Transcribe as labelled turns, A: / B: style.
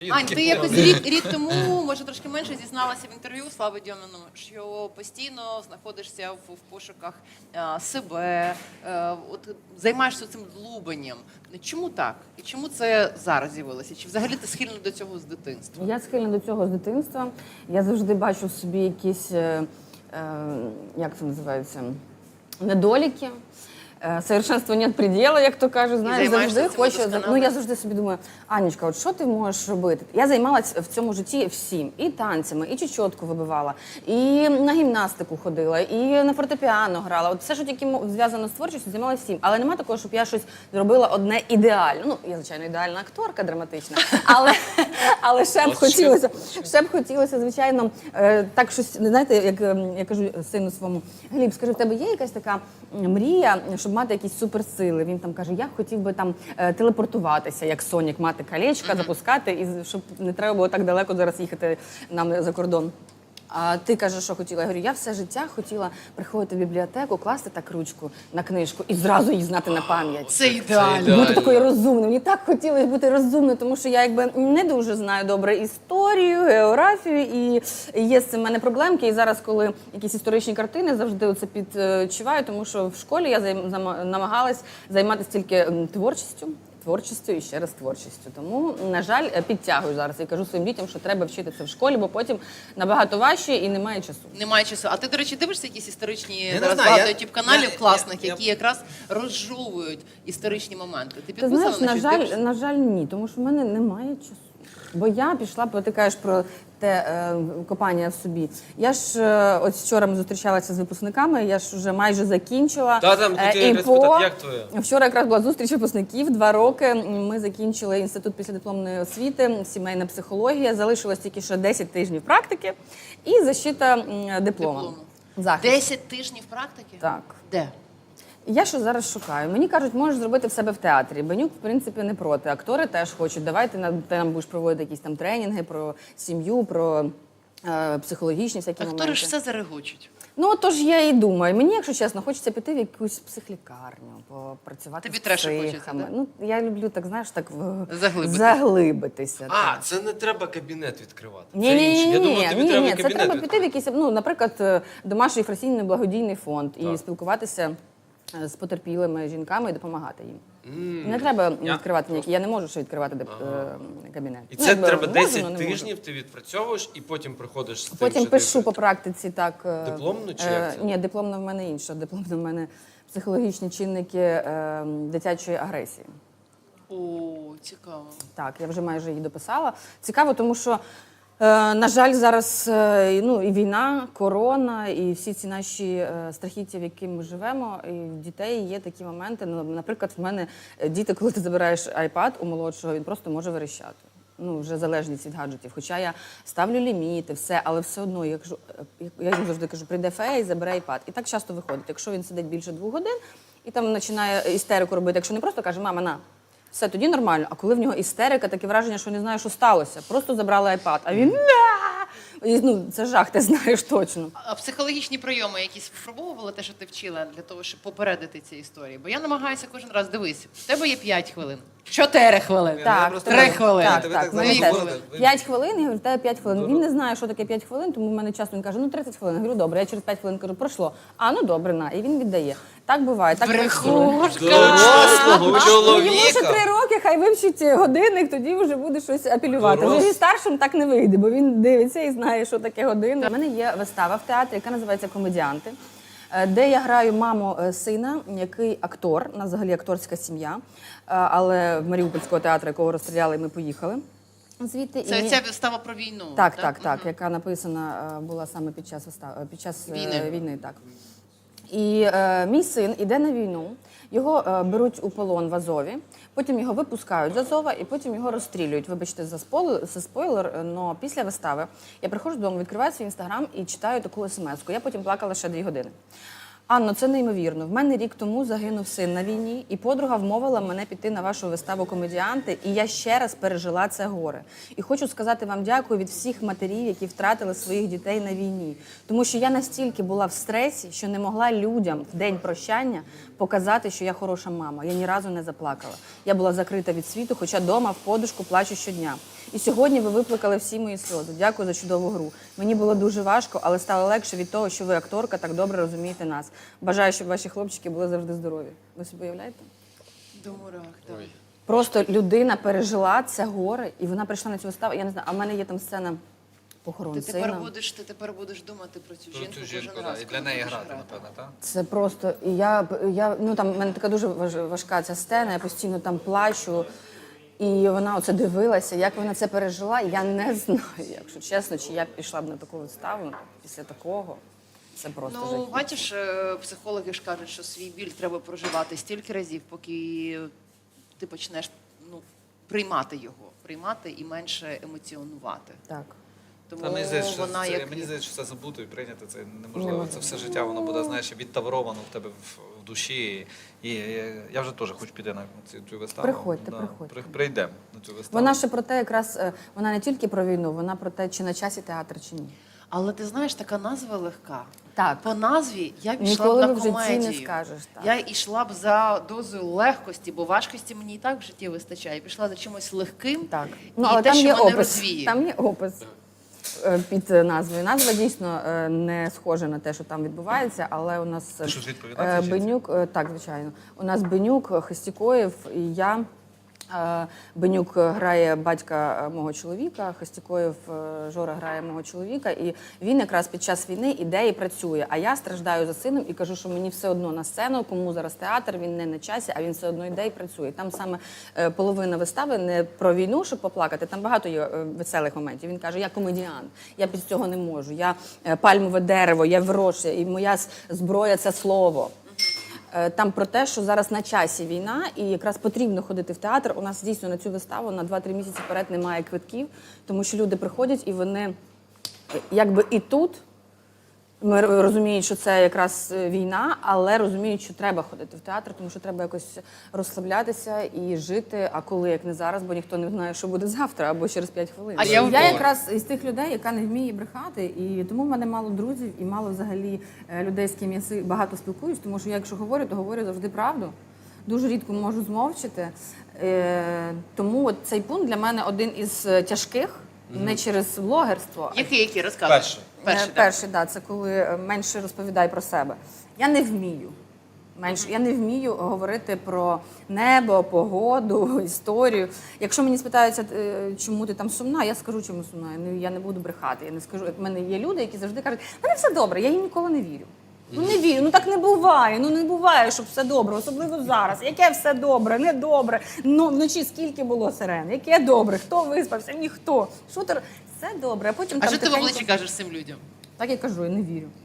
A: Ань, ти якось рік тому, може трошки менше, зізналася в інтерв'ю Слави Дьоміну, що постійно знаходишся в пошуках себе, займаєшся цим длубанням. Чому так? І чому це зараз з'явилося? Чи взагалі ти схильна до цього з дитинства?
B: Я схильна до цього з дитинства. Я завжди бачу в собі якісь, як це називається, недоліки. Совершенству нет предела, як то кажуть, знаєш, завжди хочу. Ну, я завжди собі думаю, Анечка, от що ти можеш робити? Я займалася в цьому житті всім. І танцями, і чечотку вибивала, і на гімнастику ходила, і на фортепіано грала. От все, що тільки зв'язано з творчістю, займалася всім. Але нема такого, щоб я щось зробила одне ідеально. Ну, я, звичайно, ідеальна акторка, драматична, але ще б хотілося, звичайно, так щось, знаєте, як я кажу сину своєму, Гліб, скажи, в тебе є якась така мрія, щоб мати якісь суперсили? Він там каже, я хотів би там телепортуватися, як Сонік, мати колечка, запускати, і щоб не треба було так далеко зараз їхати нам за кордон. А ти кажеш, що хотіла? Я говорю, я все життя хотіла приходити в бібліотеку, класти так ручку на книжку і зразу її знати на пам'ять.
A: Це ідеально.
B: Бути такою розумною. Мені так хотілося бути розумною, тому що я якби не дуже знаю добре історію, географію, і є з цим в мене проблемки. І зараз, коли якісь історичні картини, завжди оце підчуваю, тому що в школі я намагалась займатися тільки творчістю і ще раз творчістю. Тому, на жаль, підтягую зараз і кажу своїм дітям, що треба вчити це в школі, бо потім набагато важче і немає часу.
A: Немає часу. А ти, до речі, дивишся якісь історичні зараз багато ютуб-каналів класних, які якраз розжовують історичні моменти? Ти підписана на щось?
B: На жаль, ні, тому що в мене немає часу. Бо я пішла, бо ти кажеш про те копання в собі. Я ж ось вчора ми зустрічалися з випускниками, я ж вже майже закінчила. Вчора якраз була зустріч випускників, 2 роки. Ми закінчили інститут післядипломної освіти, сімейна психологія, залишилось тільки ще 10 тижнів практики і защита диплому.
A: 10 тижнів практики?
B: Так.
A: Де?
B: Я що зараз шукаю. Мені кажуть, можеш зробити в себе в театрі. Бенюк, в принципі, не проти. Актори теж хочуть. Давайте ти нам будеш проводити якісь там тренінги про сім'ю, про психологічні всякі моменти.
A: Актори ж все зарегочуть.
B: Ну, тож я і думаю. Мені, якщо чесно, хочеться піти в якусь психлікарню, попрацювати з психами. Ну, я люблю, так, знаєш, так заглибитися.
C: Це не треба кабінет відкривати.
B: Ні, це треба піти в якийсь, ну, наприклад, домашній фракційний благодійний фонд і спілкуватися з потерпілими жінками і допомагати їм. Не треба відкривати ніякі, я не можу ще відкривати кабінет.
C: І це треба 10 тижнів, ти відпрацьовуєш і потім приходиш з тим,
B: потім пишу по практиці, так.
C: Дипломну чи як це?
B: Ні, дипломна в мене інша. Дипломна в мене психологічні чинники дитячої агресії.
A: О, цікаво.
B: Так, я вже майже її дописала. Цікаво, тому що на жаль, зараз і війна, корона, і всі ці наші страхіття, в яких ми живемо, і в дітей є такі моменти. Наприклад, в мене діти, коли ти забираєш iPad у молодшого, він просто може верещати. Ну, вже залежність від гаджетів. Хоча я ставлю ліміти, все, але все одно, я йому завжди кажу, прийде фея і забере iPad. І так часто виходить. Якщо він сидить більше 2 годин і там починає істерику робити, якщо не просто каже, мама, на. Все, тоді нормально. А коли в нього істерика, таке враження, що не знає, що сталося. Просто забрали iPad, а він це жах, ти знаєш точно.
A: А психологічні прийоми якісь випробовували те, що ти вчила, для того, щоб попередити ці історії? Бо я намагаюся кожен раз, дивись, в тебе є 5 хвилин, 4 хвилини, 3 хвилини.
B: Так, 5 хвилин, я говорю, в тебе 5 хвилин. Він не знає, що таке 5 хвилин, тому в мене часто він каже, 30 хвилин. Я говорю, добре, я через 5 хвилин кажу, пройшло. Ну добре, на. І він віддає. Так буває.
C: Дорослого чоловіка!
B: Йому ще 3 роки, хай вивчить годинник, тоді вже буде щось апелювати. Вже зі старшим так не вийде, бо він дивиться і знає, що таке годинник. У мене є вистава в театрі, яка називається «Комедіанти», де я граю маму сина, який актор, у нас взагалі акторська сім'я, але в Маріупольського театру, якого розстріляли, ми поїхали звідти.
A: Це ця вистава про війну?
B: Так, яка написана була саме під час війни. Так. І мій син іде на війну, його беруть у полон в Азові, потім його випускають з Азова і потім його розстрілюють. Вибачте за спойлер, але після вистави я приходжу додому, відкриваю свій інстаграм і читаю таку смс-ку. Я потім плакала ще 2 години. Анно, це неймовірно. В мене рік тому загинув син на війні, і подруга вмовила мене піти на вашу виставу «Комедіанти», і я ще раз пережила це горе. І хочу сказати вам дякую від всіх матерів, які втратили своїх дітей на війні. Тому що я настільки була в стресі, що не могла людям в день прощання показати, що я хороша мама. Я ні разу не заплакала. Я була закрита від світу, хоча вдома в подушку плачу щодня. І сьогодні ви викликали всі мої сльози. Дякую за чудову гру. Мені було дуже важко, але стало легше від того, що ви, акторка, так добре розумієте нас. Бажаю, щоб ваші хлопчики були завжди здорові. Ви собі уявляєте?
A: До мурах, так.
C: Ой.
B: Просто людина пережила це горе, і вона прийшла на цю виставу. Я не знаю, а в мене є там сцена похорон
A: Ти
B: сина.
A: тепер будеш думати про цю
C: Про
A: жінку
C: цю жінку,
A: кожен
C: да.
A: раз.
C: І для
A: коли
C: неї
A: будеш
C: грати, напевно, так?
B: Це просто, і ну там в мене така дуже важка ця сцена, я постійно там плачу. І вона оце дивилася, як вона це пережила. Я не знаю, якщо чесно, чи я б пішла б на таку виставу після такого. Це просто
A: Ну,
B: жахіття.
A: бачиш, психологи ж кажуть, що свій біль треба проживати стільки разів, поки ти почнеш приймати і менше емоціонувати.
B: Так.
A: Тому
C: Та мені здається, що
A: вона
C: це,
A: як
C: мені здається, що це забути і прийняти це неможливо. Це все життя, воно буде, знаєш, відтавровано в тебе в душі. І я вже теж хочу піти на цю виставу.
B: Приходьте,
C: Да.
B: приходьте.
C: Прийдемо на цю виставу.
B: Вона ще про те, якраз вона не тільки про війну, вона про те, чи на часі театр, чи ні.
A: Але ти знаєш, така назва легка.
B: Так.
A: По назві я б йшла
B: Ніколи
A: б на
B: в житті
A: комедію.
B: не скажеш, так.
A: Я йшла б за дозою легкості, бо важкості мені і так в житті вистачає. Я пішла за чимось легким.
B: Так.
A: І
B: Але
A: те,
B: там
A: що
B: є
A: мене
B: опис.
A: розвіє.
B: Там є опис під назвою. Назва дійсно не схожа на те, що там відбувається, але у нас
C: Ти щось відповідати, чи
B: Бенюк, так, звичайно. У нас Бенюк, Хистікоєв і я. Бенюк грає батька мого чоловіка, Хистікоєв Жора грає мого чоловіка, і він якраз під час війни іде і працює. А я страждаю за сином і кажу, що мені все одно на сцену, кому зараз театр, він не на часі, а він все одно йде і працює. Там саме половина вистави не про війну, щоб поплакати, там багато є веселих моментів. Він каже, я комедіант, я без цього не можу, я пальмове дерево, я вирощую, і моя зброя – це слово. Там про те, що зараз на часі війна, і якраз потрібно ходити в театр. У нас дійсно на цю виставу на 2-3 місяці вперед немає квитків, тому що люди приходять і вони якби і тут ми розуміють, що це якраз війна, але розуміють, що треба ходити в театр, тому що треба якось розслаблятися і жити. А коли, як не зараз, бо ніхто не знає, що буде завтра або через 5 хвилин.
A: А я
B: якраз із тих людей, яка не вміє брехати, і тому в мене мало друзів і мало взагалі людей, з ким я багато спілкуюсь, тому що я, якщо говорю, то говорю завжди правду. Дуже рідко можу змовчити. Тому от цей пункт для мене один із тяжких, не через блогерство,
A: Який розказуй?
B: Перший, да, це коли менше розповідай про себе. Я не вмію. Я не вмію говорити про небо, погоду, історію. Якщо мені спитаються, чому ти там сумна, я скажу, чому сумна. Я не буду брехати. Я не скажу. У мене є люди, які завжди кажуть, в мене все добре, я їм ніколи не вірю. Ну не вірю, ну так не буває, не буває, щоб все добре, особливо зараз. Яке все добре, не добре, ну вночі скільки було сирен, яке добре, хто виспався, ніхто. Шутер, все добре, а потім
A: А
B: там
A: що ти в
B: тихенько...
A: обличчі кажеш цим людям?
B: Так я кажу, я не вірю.